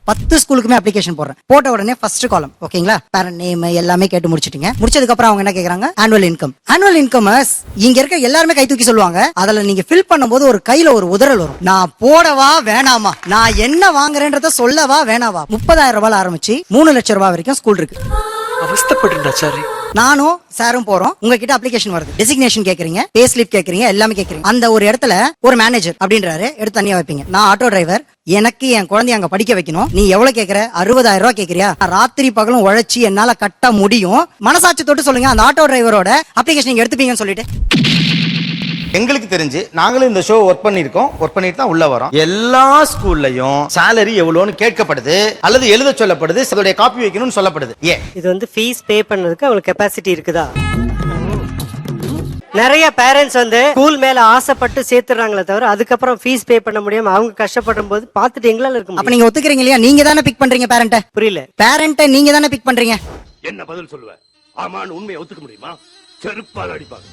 10 ஸ்கூலுக்குமே application போடுறேன். போட்ட உடனே ஃபர்ஸ்ட் காலம் ஓகேங்களா, பேரண்ட் நேம் எல்லாமே கேட்டு முடிச்சிட்டீங்க. முடிச்சதுக்கு அப்புறம் அவங்க என்ன கேக்குறாங்க, ஆனுவல் இன்கம். ஆனுவல் இன்கம் இங்க இருக்க எல்லாருமே கை தூக்கி சொல்லுவாங்க. அதுல நீங்க ஃபில் பண்ணும்போது ஒரு கையில ஒரு உதறல் வரும். நான் போடவா வேணாமா, நான் என்ன வாங்குறேன்றத சொல்லவா வேணாவா. 30,000 ரூபாய் ஆரம்பிச்சு 3 லட்சம் ரூபாய் வரைக்கும் ஸ்கூல் இருக்கு. அவஸ்தப்பட்டு நானும் சாரும் போறோம், உங்ககிட்ட அப்ளிகேஷன் வருது, டெசிக்னேஷன் கேக்குறீங்க, பே ஸ்லிப் கேக்குறீங்க, எல்லாமே கேக்குறீங்க. அந்த ஒரு இடத்துல ஒரு மேனேஜர் அப்படின்றாரு, எடுத்து தனியா வைப்பீங்க. நான் ஆட்டோ டிரைவர், எனக்கு என் குழந்தைய அங்க படிக்க வைக்கணும். நீ எவ்வளவு கேக்குற, 60,000 ரூபாய் கேக்குறியா? ராத்திரி பகலும் உழைச்சி என்னால கட்ட முடியும். மனசாட்சி தொட்டு சொல்லுங்க, அந்த ஆட்டோ டிரைவரோட அப்ளிகேஷன் நீங்க எடுத்துப்பீங்கன்னு சொல்லிட்டு. எங்களுக்கு தெரிஞ்சு நாங்களும் இந்த ஷோ ஒர்க் பண்ணிட்டு தான் உள்ள வரோம். எல்லா ஸ்கூல்லையும் சாலரி எவ்வளவுன்னு கேட்கப்படுது அல்லது எழுத சொல்லப்படுது, அதோட காப்பி வைக்கணும்னு சொல்லப்படுது. ஏன் இது வந்து ஃபீஸ் பே பண்ணதுக்கு அவங்களுக்கு கெபாசிட்டி இருக்குதா? நிறைய பேரண்ட்ஸ் வந்து ஸ்கூல் மேல ஆசைப்பட்டு சேர்த்துறாங்களே தவிர அதுக்கப்புறம் ஃபீஸ் பே பண்ண முடியாம அவங்க கஷ்டப்படும் போது பார்த்துட்டு எங்களால இருக்க அப்ப முடியும். நீங்க ஒத்துக்கிறீங்க இல்லையா? நீங்க தானே பிக் பண்றீங்க பேரண்ட. புரியல. பேரண்ட நீங்க தானே பிக் பண்றீங்க. என்ன பதில் சொல்லுவ? ஆமான்னு உண்மையை ஒத்துக்க முடியுமா? செருப்பால் அடிப்பாங்க.